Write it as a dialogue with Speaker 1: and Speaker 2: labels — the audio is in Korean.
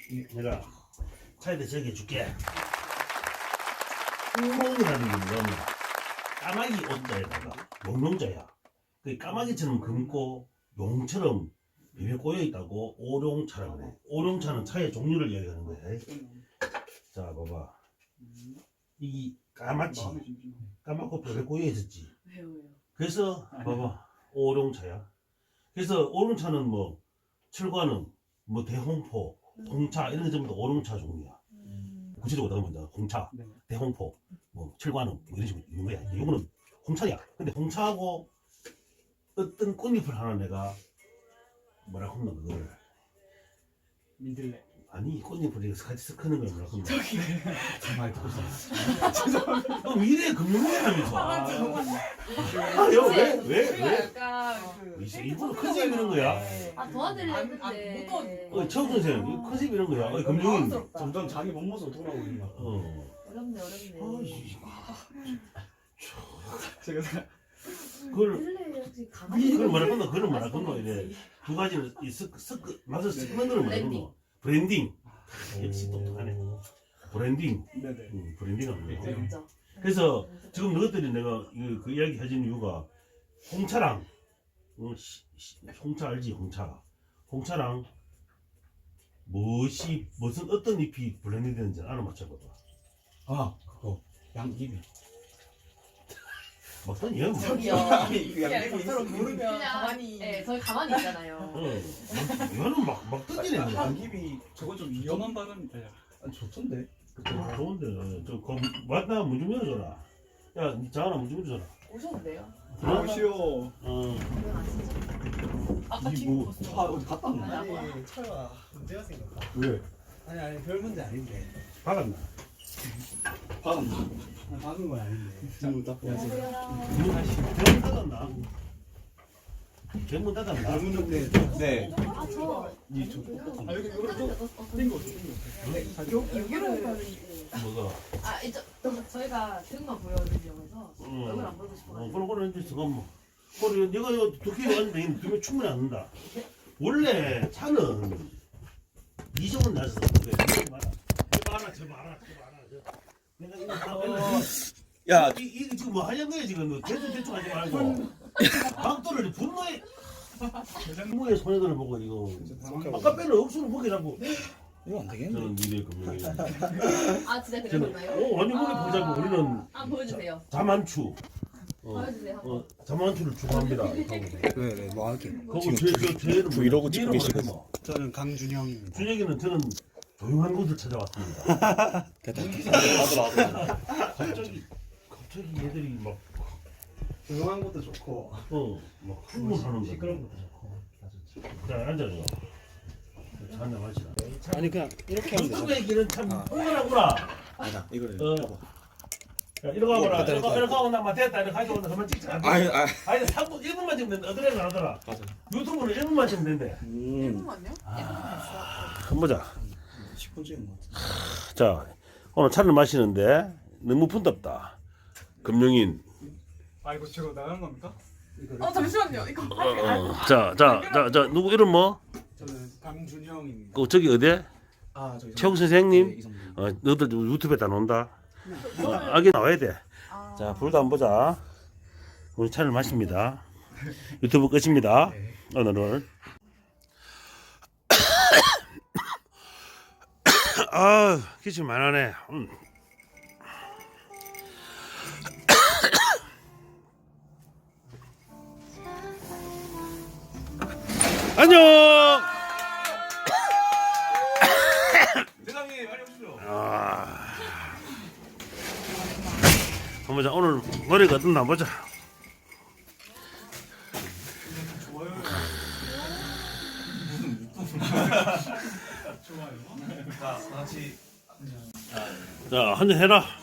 Speaker 1: 내가 차에다 적어줄게. 구멍이라는 게 뭐냐면 까마귀 옷자에다가 용용자야. 그 까마귀처럼 검고 용처럼 비벼 꼬여 있다고 오룡차라고 그래. 오룡차는 차의 종류를 이야기하는 거야. 자, 봐봐. 이 까맣지. 까맣고 뼈에 꼬여 있었지.
Speaker 2: 왜요?
Speaker 1: 그래서 봐봐. 오룡차야. 그래서 오룡차는 뭐 철관음, 뭐 대홍포, 홍차 이런 게 전부 다 오룡차 종류야. 구체적으로 나가면 홍차, 대홍포, 뭐 철관음 뭐 이런 식으로 있는 거야. 이거는 홍차야. 근데 홍차하고 어떤 꽃잎을 하나 내가 뭐라 하면 그걸
Speaker 3: 믿을래.
Speaker 1: 아니 꽃잎을 이렇게 같이 섞는 거야 뭐라 하면
Speaker 2: 저기
Speaker 3: 많이 듣고 있어.
Speaker 1: 너 미래 금융이라면서 왜
Speaker 2: 약간
Speaker 1: 일부러 컨셉 이런 거야?
Speaker 2: 도와드리는데
Speaker 1: 최욱 선생님 컨셉 이런 거야. 금융인
Speaker 3: 점점 자기 몸 모습 돌아오는 것 같아.
Speaker 2: 어렵네.
Speaker 3: 제가
Speaker 1: 그걸 말할 건가 그걸 말할 건가 이래 두 가지를 맛을 섞는 걸 말할 건가 브랜딩 역시 똑똑하네 브랜딩
Speaker 3: 네네.
Speaker 1: 브랜딩하는 거
Speaker 2: 진짜.
Speaker 1: 그래서 지금 너희들이 내가 그 이야기 해준 이유가 홍차랑 홍차 알지 홍차랑 무슨 어떤 잎이 블렌딩 되는지 알아맞혀봐봐.
Speaker 3: 아 그거 양귀비.
Speaker 1: 막상 얘는 뭐
Speaker 2: 저기요.
Speaker 3: 양귀비
Speaker 2: 서로 모르면 가만히. 네, 저희 가만히 있잖아요.
Speaker 1: 얘는 막 던지네 그냥.
Speaker 3: 양귀비 저거 좀 위험한 발언인데. 좋던데.
Speaker 1: 좋은데 맞나 문 좀 열어줘라. 야 장하나 문 좀 열어줘라.
Speaker 2: 오셨는데요?
Speaker 3: 들어오시오.
Speaker 2: 아까
Speaker 3: 이뭐 어디 갔다 왔나?
Speaker 4: 아니 철아 문제가 생겼다.
Speaker 3: 왜?
Speaker 4: 아니 별 문제 아닌데.
Speaker 1: 박았나?
Speaker 3: 받았나?
Speaker 4: 박은 건 아닌데.
Speaker 3: 지금 딱 보세요.
Speaker 1: 대문 닫았나? 대문 닫았나?
Speaker 4: 문인데.
Speaker 3: 네.
Speaker 2: 저.
Speaker 3: 이저
Speaker 4: 아 여기 이거를 좀
Speaker 3: 땡겨.
Speaker 2: 여기로
Speaker 1: 뭐가?
Speaker 2: 이제 저희가 등만 보여드리려고 얼굴 안 보이고 싶어가지고.
Speaker 1: 그런 이제 잠깐만. 그래 내가 이거 두개 왔는데 두개 충분히 안 된다. 원래 차는 이정은 나서 그래. 제발. 내가 이거
Speaker 3: 야.
Speaker 1: 이거 지금 뭐 하려는 거야 지금 너 대충 하지 말고 막도를 분노의 소녀들을 보고 이거 아까 빼는 억수로 보기라고
Speaker 3: 이거 안 되겠네.
Speaker 1: 저는 미래 금융이
Speaker 2: 진짜
Speaker 1: 저는
Speaker 2: 그러셨나요?
Speaker 1: 완전 머리 보자고 우리는
Speaker 2: 보여주세요.
Speaker 1: 자만추
Speaker 2: 보여주세요.
Speaker 1: 자만추를 추구합니다.
Speaker 4: 네, 뭐 할게.
Speaker 1: 그거 제
Speaker 3: 브이로그 찍고 계시거든요.
Speaker 4: 저는 강준영입니다.
Speaker 1: 준혁이는 저는 조용한 곳을 찾아왔습니다. 갑자기 얘들이 막
Speaker 4: 조용한 것도 좋고
Speaker 1: 막 흥분하는 거.
Speaker 4: 시끄러운 것도 좋고 다 좋죠.
Speaker 1: 자 앉아요. 자 한잔 마시라.
Speaker 4: 아니 그냥 이렇게 하면
Speaker 1: 유튜브
Speaker 4: 되잖아.
Speaker 1: 얘기는 참 흥분하구나.
Speaker 3: 아니다. 이거를
Speaker 1: 야, 이러고 와봐라. 이러고 하고 나면 됐다. 이렇게 하고 나면 그만 찍자. 아니 3분 1분만 찍으면 된다. 어디래가 하더라.
Speaker 3: 맞아.
Speaker 1: 유튜브는 1분만 찍으면 된대.
Speaker 2: 잠깐만요.
Speaker 1: 한번 보자.
Speaker 3: 10분 찍은 것 같아.
Speaker 1: 자 오늘 차를 마시는데 너무 분답다. 금융인.
Speaker 3: 이거 제가 나가는 겁니까?
Speaker 2: 잠시만요. 이거.
Speaker 1: 자 누구 이름 뭐?
Speaker 4: 저는 강준형입니다.
Speaker 1: 저기 어디?
Speaker 3: 저기
Speaker 1: 최욱 선생님.
Speaker 3: 이성분.
Speaker 1: 너희들 유튜브에 다 나온다. 아기 나와야 돼. 자 불도 안 보자. 오늘 차를 마십니다. 유튜브 끝입니다. 오늘은. 기침 많이 하네. 안녕.
Speaker 3: 대장님 빨리 오시죠.
Speaker 1: 한번 보자. 오늘 노래가 어떤나 보자.
Speaker 3: 좋아요. 좋아요. 자 같이.
Speaker 1: 자 한잔 해라.